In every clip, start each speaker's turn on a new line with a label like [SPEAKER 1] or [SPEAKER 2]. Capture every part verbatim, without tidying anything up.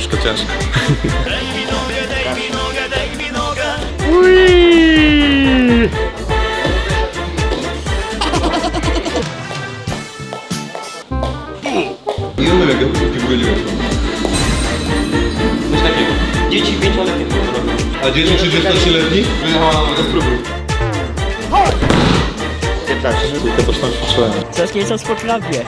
[SPEAKER 1] Troszkę ciężko.
[SPEAKER 2] I on jak w ogóle nie wiem.
[SPEAKER 3] Coś takiego. Dzieci pięcioletnie to robią.
[SPEAKER 2] A dzieci trzydziestotrzyletni? Wyjechała na to spróbuj.
[SPEAKER 3] piętnaście.
[SPEAKER 1] Tylko coś tam ćwiczyłem.
[SPEAKER 4] Coś nieco z potrafię.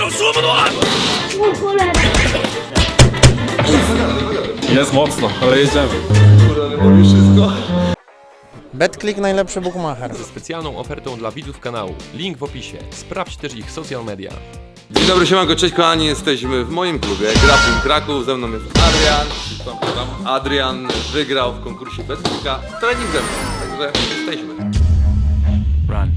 [SPEAKER 1] Jest mocno, ale jedziemy.
[SPEAKER 2] Kurde, boli wszystko.
[SPEAKER 5] BetClick najlepszy bookmacher.
[SPEAKER 6] Specjalną ofertą dla widzów kanału. Link w opisie. Sprawdź też ich social media.
[SPEAKER 2] Dzień dobry, siemanko, cześć kochani, jesteśmy w moim klubie Grappling Kraków, ze mną jest Adrian. Adrian wygrał w konkursie BetClicka trening ze mną, także jesteśmy.
[SPEAKER 4] Run.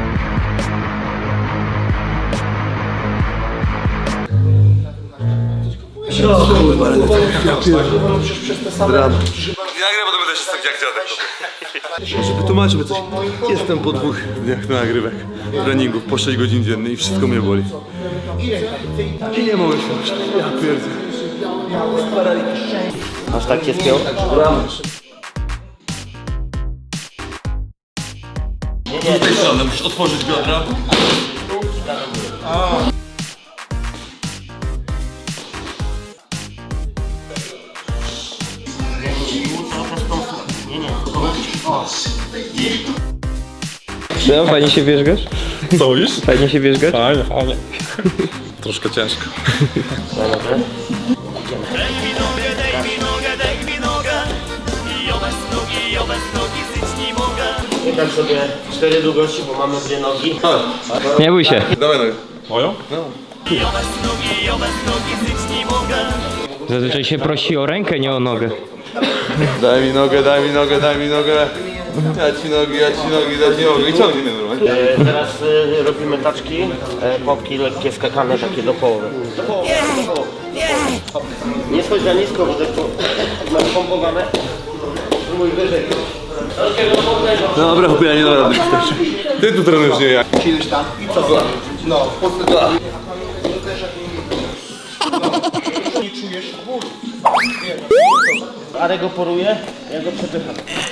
[SPEAKER 2] Nie nagrywam, bo to będę się tak jak dziadek. Żeby tłumaczyć coś, jestem po dwóch dniach nagrywek, treningów, po sześć godzin dziennie i wszystko mnie boli. I nie mogę się ruszać, ja pierdzę.
[SPEAKER 3] Aż tak cię spiął?
[SPEAKER 2] Z tej strony musisz otworzyć biodra.
[SPEAKER 7] No, fajnie się wierzgasz?
[SPEAKER 1] Co już?
[SPEAKER 7] Fajnie się wierzgasz?
[SPEAKER 1] Fajnie, fajnie. Troszkę ciężko.
[SPEAKER 3] Wykam sobie cztery długości, bo mamy dwie nogi.
[SPEAKER 7] Nie bój się.
[SPEAKER 2] Dawaj nogę.
[SPEAKER 1] Moją?
[SPEAKER 7] Zazwyczaj się prosi o rękę, nie o nogę.
[SPEAKER 2] Daj mi nogę, daj mi nogę, daj mi nogę. Ja ci nogi, ja ci nogi, daj ci nogę. I ciągnij mnie normalnie.
[SPEAKER 3] E, teraz e, robimy taczki, e, popki lekkie skakane takie do połowy. Do połowy, do połowy. Nie schodź za nisko, bo to masz pompowane. Mój wyżej.
[SPEAKER 2] Dobra, chłopie, ja nie dam rady. Ty tu trenujesz, nie ja.
[SPEAKER 3] Arek go poruje, ja go przepycham.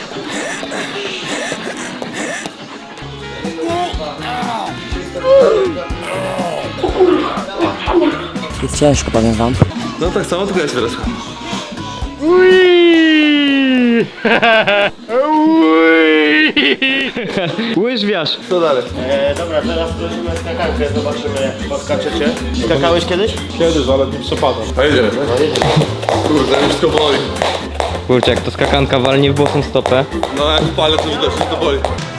[SPEAKER 4] Jest ciężko, powiem wam.
[SPEAKER 2] No tak samo, tylko ja się teraz.
[SPEAKER 7] Łyżwiarz.
[SPEAKER 2] Co dalej?
[SPEAKER 3] E, dobra, teraz prosimy skakankę, zobaczymy jak podskaczecie. Skakałeś kiedyś?
[SPEAKER 1] Kiedyś, ale nie przepadam.
[SPEAKER 2] A jedziemy, tak? Kurde, mi wszystko boli.
[SPEAKER 7] Kurczę, jak to skakanka walnie w bosą stopę.
[SPEAKER 2] No jak palę, to widać, wszystko boli.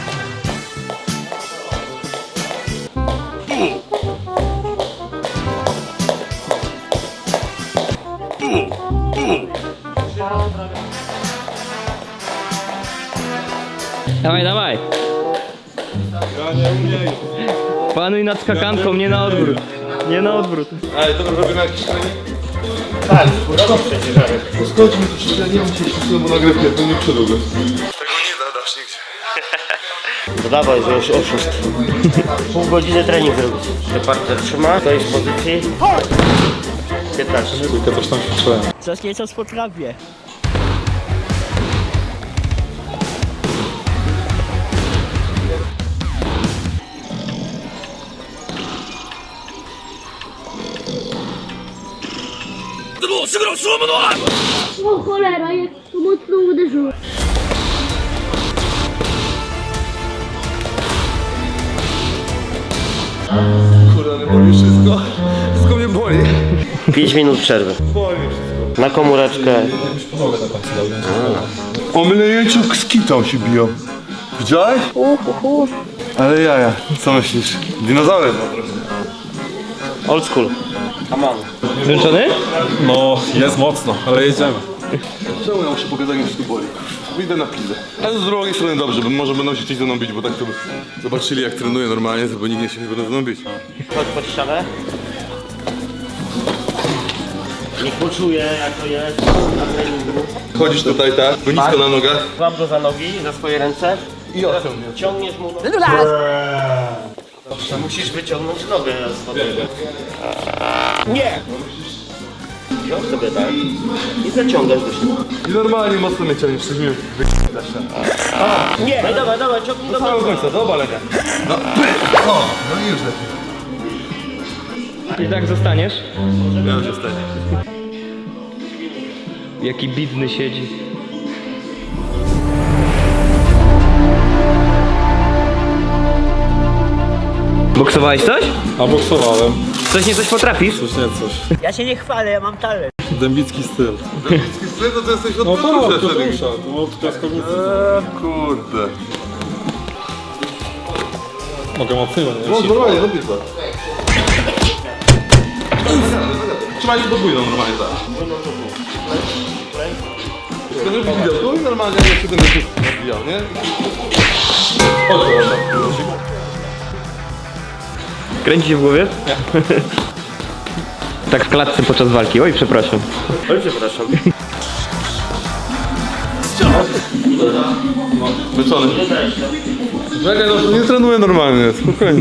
[SPEAKER 7] Dawaj, dawaj.
[SPEAKER 1] Ja nie umiem.
[SPEAKER 7] Panuj nad skakanką, nie na odwrót. Nie na odwrót.
[SPEAKER 2] Ale to robimy jakiś trening?
[SPEAKER 3] Tak, robisz przecież Arek.
[SPEAKER 2] Schodzi mi tu wszystko, ja nie wiem, czy się mu nagrywkę, to nie przedługo. Tego nie zadasz nigdzie.
[SPEAKER 3] To dawaj, że już oszust. Pół godziny trening zrobić. Te partner trzyma, to jest w pozycji. piętnaście.
[SPEAKER 1] Tylko coś tam ćwiczyłem.
[SPEAKER 4] Coś nieco z potrafię.
[SPEAKER 8] O cholera, jak to mocno uderzyło.
[SPEAKER 2] Kurde, ale boli wszystko. Wszystko mnie boli.
[SPEAKER 3] pięć minut przerwy.
[SPEAKER 2] Boli mnie wszystko.
[SPEAKER 3] Na komóreczkę.
[SPEAKER 2] O mlejeciu z kitą się biją. Widziałeś?
[SPEAKER 8] Uhuhu.
[SPEAKER 2] Ale jaja, co myślisz? Dinozaury no trochę.
[SPEAKER 3] Old school. Come on.
[SPEAKER 7] Zmęczony?
[SPEAKER 1] No, jest mocno, ale jedziemy.
[SPEAKER 2] Czemu ja muszę pokazać, że wszystko boli? Idę na pizdę. Ale z drugiej strony dobrze, bo może będą się chcieć ze mną bić, bo tak to by zobaczyli jak trenuję normalnie, to by nikt nie się nie będą ze mną bić.
[SPEAKER 3] Chodź pod ścianę. Niech poczuje jak to jest na treningu.
[SPEAKER 2] Chodzisz tutaj tak, bo nisko na nogach.
[SPEAKER 3] Złap go za nogi, za swoje ręce.
[SPEAKER 2] I odciągnie.
[SPEAKER 3] Ciągniesz mu nogę. Dobrze, musisz wyciągnąć nogę z wody. Nie! wziął sobie tak i zaciągasz do siebie.
[SPEAKER 2] I normalnie mocno mnie ciągniesz, coś mi wyjść.
[SPEAKER 3] Nie! No dawaj, dawaj, ciągnij do
[SPEAKER 2] Do
[SPEAKER 3] końca.
[SPEAKER 2] końca, do obalenia. No, o, no i już lepiej.
[SPEAKER 7] I tak zostaniesz?
[SPEAKER 2] Ja już zostaję.
[SPEAKER 7] Jaki bidny siedzi. Boksowałeś coś?
[SPEAKER 1] A boksowałem.
[SPEAKER 7] Coś nie coś potrafisz?
[SPEAKER 1] Coś nie coś.
[SPEAKER 4] Ja się nie chwalę, ja mam talent.
[SPEAKER 1] Dębicki styl.
[SPEAKER 2] Dębicki styl, to ty jesteś od
[SPEAKER 1] No tak,
[SPEAKER 2] Petrusza
[SPEAKER 1] to
[SPEAKER 2] wtedy.
[SPEAKER 1] dusza. To od piaskownicy.
[SPEAKER 2] Eee, kurde.
[SPEAKER 1] Mogę mocniej, nie?
[SPEAKER 2] No normalnie, robisz to. Trzymaj się podwójną normalnie, tak. Tylko żeby widział, tu i normalnie jak się ten gościu odbijał, nie?
[SPEAKER 7] Kręci się w głowie? Nie. Tak w klatce podczas walki. Oj, przepraszam.
[SPEAKER 3] Oj, przepraszam.
[SPEAKER 2] Wyczony. Czekaj, no nie trenuję normalnie, spokojnie.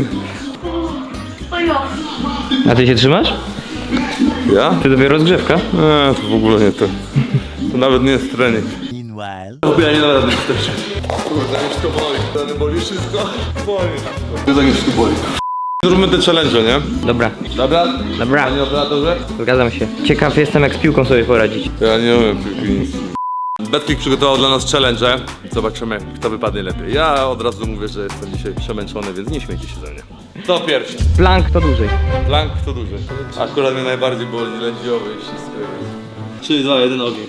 [SPEAKER 7] A ty się trzymasz?
[SPEAKER 2] Ja?
[SPEAKER 7] Ty dopiero rozgrzewka?
[SPEAKER 2] Eee, to w ogóle nie to. To nawet nie jest trening. Ja nie nawet nie wstecz. Kurde, mnie wszystko boli. Dany boli wszystko. Boli. Mnie tak nie wszystko boli. Zróbmy te challenge, nie?
[SPEAKER 7] Dobra.
[SPEAKER 2] Dobra?
[SPEAKER 7] Dobra.
[SPEAKER 2] Panie operatorze?
[SPEAKER 7] Zgadzam się. Ciekaw jestem, jak z piłką sobie poradzić.
[SPEAKER 2] Ja nie umiem piłki nic. Betclick przygotował dla nas challenge. Zobaczymy, kto wypadnie lepiej. Ja od razu mówię, że jestem dzisiaj przemęczony, więc nie śmiejcie się ze mnie. To pierwszy.
[SPEAKER 7] Plank to dłużej.
[SPEAKER 2] Plank to duży. Akurat mnie najbardziej boli lędźwiowy i wszystko. trzy, dwa, jeden, ogień.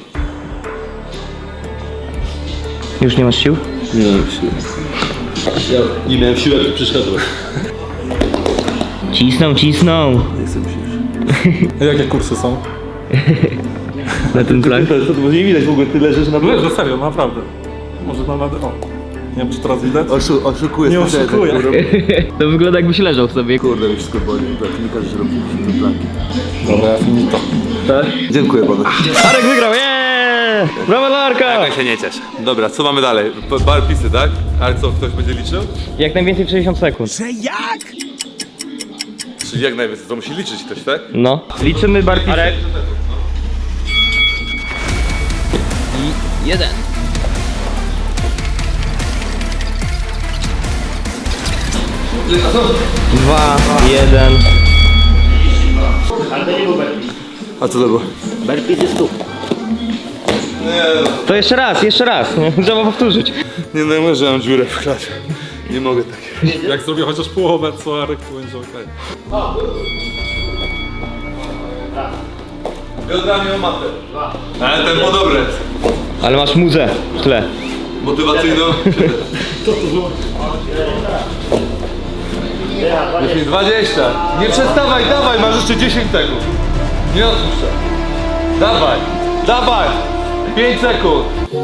[SPEAKER 7] Już nie masz sił?
[SPEAKER 2] Nie mam siły. Ja nie miałem siły, jak przyszedłem.
[SPEAKER 7] Cisną, cisną.
[SPEAKER 1] Jakie kursy są?
[SPEAKER 7] Na tym plank.
[SPEAKER 2] To nie widać w ogóle, ty leżysz na
[SPEAKER 1] No, serio, naprawdę. Może na radę. O. Nie wiem, czy teraz widać?
[SPEAKER 2] Oszu, oszukuję.
[SPEAKER 1] Nie oszukuję.
[SPEAKER 7] To wygląda, jakbyś leżał sobie.
[SPEAKER 2] Kurde, mi wszystko boli. Tak, nie każesz robić te planki.
[SPEAKER 1] Dobra, ja finito.
[SPEAKER 2] Dziękuję panu.
[SPEAKER 7] Arek wygrał, jeee! Brawa dla Arka!
[SPEAKER 2] Ja się nie ciesz. Dobra, co mamy dalej? P- Barpisy, tak? Ale co, ktoś będzie liczył?
[SPEAKER 7] Jak najwięcej w sześćdziesiąt sekund.
[SPEAKER 2] Czyli jak najwięcej, to musi liczyć ktoś, tak?
[SPEAKER 7] No. Liczymy barpisy. Arek. I jeden. Dwa, jeden.
[SPEAKER 2] A co to było?
[SPEAKER 3] Burpees jest tu.
[SPEAKER 2] Nie,
[SPEAKER 7] To jeszcze raz, jeszcze raz. Nie? Trzeba powtórzyć.
[SPEAKER 2] nie no, może ja mam dziurę w klasie. Nie mogę tak.
[SPEAKER 1] Jak zrobię chociaż połowę, co Arek, to będzie okej.
[SPEAKER 2] Biodrami o matę. Ale tempo dobre.
[SPEAKER 7] Ale masz muzę w tle.
[SPEAKER 2] Motywacyjną. dziesięć, dwadzieścia. Nie przestawaj, dawaj, masz jeszcze dziesięć sekund. Nie odpuszczaj. Dawaj, dawaj. pięć sekund.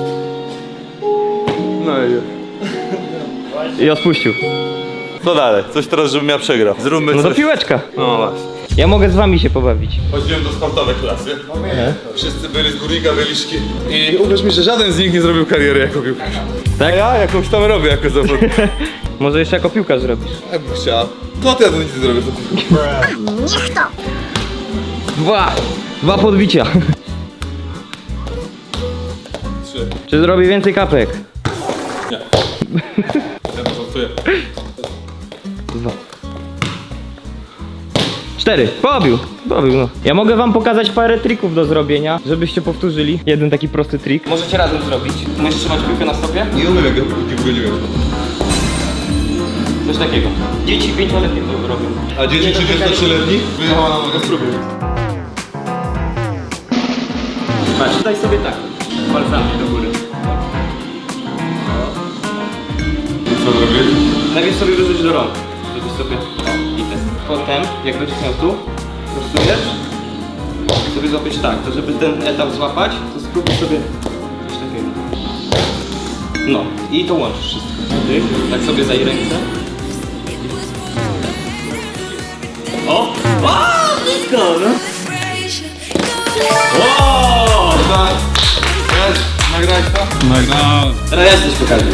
[SPEAKER 2] No i
[SPEAKER 7] I odpuścił.
[SPEAKER 2] co dalej? Coś teraz, żebym ja przegrał. Zróbmy
[SPEAKER 7] No to
[SPEAKER 2] coś.
[SPEAKER 7] piłeczka.
[SPEAKER 2] No właśnie.
[SPEAKER 7] Ja mogę z wami się pobawić.
[SPEAKER 2] Chodziłem do sportowej klasy. Wszyscy byli z górnika, byliszki. I uwierz mi, że żaden z nich nie zrobił kariery jako piłkarz.
[SPEAKER 7] Tak?
[SPEAKER 2] A ja jakąś tam robię jako zawodnik.
[SPEAKER 7] Może jeszcze jako piłkarz zrobisz.
[SPEAKER 2] Jakbym chciał. To ja to nic nie zrobię.
[SPEAKER 7] Dwa. Dwa podbicia.
[SPEAKER 2] Trzy.
[SPEAKER 7] Czy zrobi więcej kapek?
[SPEAKER 1] Ja to żartuję.
[SPEAKER 7] Dwa. Cztery. Pobił. Pobił, no. Ja mogę wam pokazać parę trików do zrobienia, żebyście powtórzyli. Jeden taki prosty trik. Możecie razem zrobić. Możesz trzymać piłkę na stopie?
[SPEAKER 2] Nie umiem jak ja piłkę nie wiem.
[SPEAKER 7] Coś takiego. Dzieci pięcioletnie to robią.
[SPEAKER 2] A dzieci trzydziestotrzyletni? Wyjechała na nogę spróbuj.
[SPEAKER 7] Patrz, daj sobie tak. Palcami do góry.
[SPEAKER 2] Co zrobić?
[SPEAKER 7] Najpierw sobie wyrzuć do rąk. Żebyś sobie... O, i ten. Potem, jak będziesz miał tu, prostujesz. Sobie złapiesz tak. To żeby ten etap złapać, to spróbuj sobie coś takiego. No. I to łączysz wszystko. Ty, tak sobie zaj ręce. O! O! Blisko, no! O!
[SPEAKER 2] Jest, nagrałeś to?
[SPEAKER 1] Nagrałem.
[SPEAKER 7] Teraz ja coś pokażę.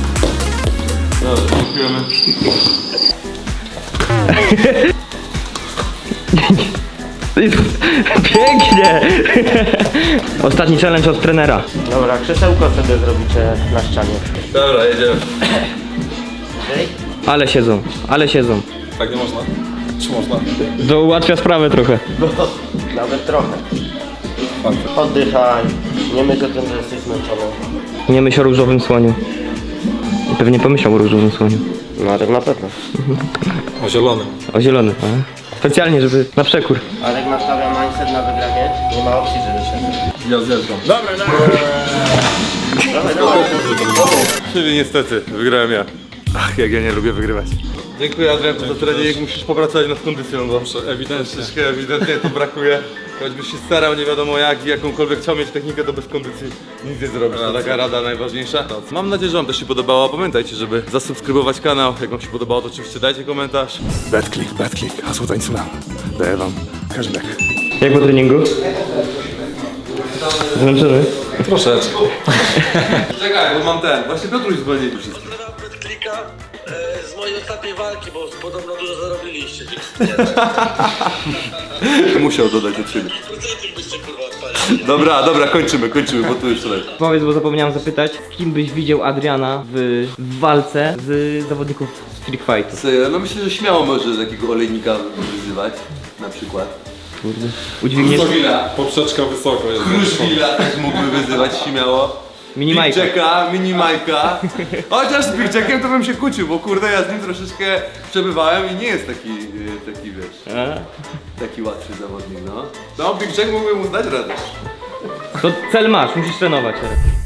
[SPEAKER 2] Dobra, dziękujemy.
[SPEAKER 7] Pięknie! Ostatni challenge od trenera.
[SPEAKER 3] Dobra, krzesełko sobie zrobicie na ścianie.
[SPEAKER 2] Dobra, jedziemy.
[SPEAKER 7] Ale siedzą, ale siedzą.
[SPEAKER 1] Tak nie można? Czy można?
[SPEAKER 7] To ułatwia sprawę trochę.
[SPEAKER 3] Nawet trochę. Oddychaj. Nie myśl o tym, że jesteś zmęczony.
[SPEAKER 7] Nie myśl o różowym słoniu. I pewnie pomyślał o różowym słoniu.
[SPEAKER 3] No ale na pewno.
[SPEAKER 1] O zielonym.
[SPEAKER 7] O zielony, a? Specjalnie, żeby na przekór.
[SPEAKER 3] Ale jak nastawia mindset na wygranie, nie ma opcji, żeby się...
[SPEAKER 1] Ja zjeżdżam.
[SPEAKER 2] Czyli niestety, wygrałem ja. Ach, jak ja nie lubię wygrywać. Dziękuję Adrian za trening, musisz popracować nad kondycją, bo
[SPEAKER 1] Ewidentnie.
[SPEAKER 2] troszeczkę ewidentnie tu brakuje. Choćbyś się starał nie wiadomo jak i jakąkolwiek chciał mieć technikę, to bez kondycji nic nie zrobisz. To taka rada najważniejsza. Mam nadzieję, że wam też się podobało. Pamiętajcie, żeby zasubskrybować kanał. Jak wam się podobało, to oczywiście dajcie komentarz. Betclick, Betclick, hasło tańcula. Daję wam cashback.
[SPEAKER 7] Jak po treningu? Zmęczony?
[SPEAKER 1] Troszeczkę.
[SPEAKER 2] Czekaj, bo mam ten. Właśnie Piotruś dzwoni do wszystkich.
[SPEAKER 9] Klika e, z mojej ostatniej walki, bo podobno dużo zarobiliście.
[SPEAKER 2] Musiał dodać od siebie.
[SPEAKER 9] Procenty byście kurwa odpalili.
[SPEAKER 2] Dobra, dobra, kończymy, kończymy, bo tu już leci.
[SPEAKER 7] Powiedz, bo zapomniałem zapytać, z kim byś widział Adriana w, w walce z zawodników Street Fightu?
[SPEAKER 2] No myślę, że śmiało może takiego olejnika wyzywać, na przykład.
[SPEAKER 7] Udźwigniesz
[SPEAKER 1] Poprzeczka wysoko jest.
[SPEAKER 2] Kruszwila też mógłby wyzywać śmiało.
[SPEAKER 7] mini
[SPEAKER 2] Big
[SPEAKER 7] Majka.
[SPEAKER 2] Jacka, mini Majka. Chociaż z Big Jackiem to bym się kłócił, bo kurde ja z nim troszeczkę przebywałem i nie jest taki, e, taki wiesz, taki łatwy zawodnik, no. No Big Jack mógłby mu dać radę.
[SPEAKER 7] To cel masz, musisz trenować teraz.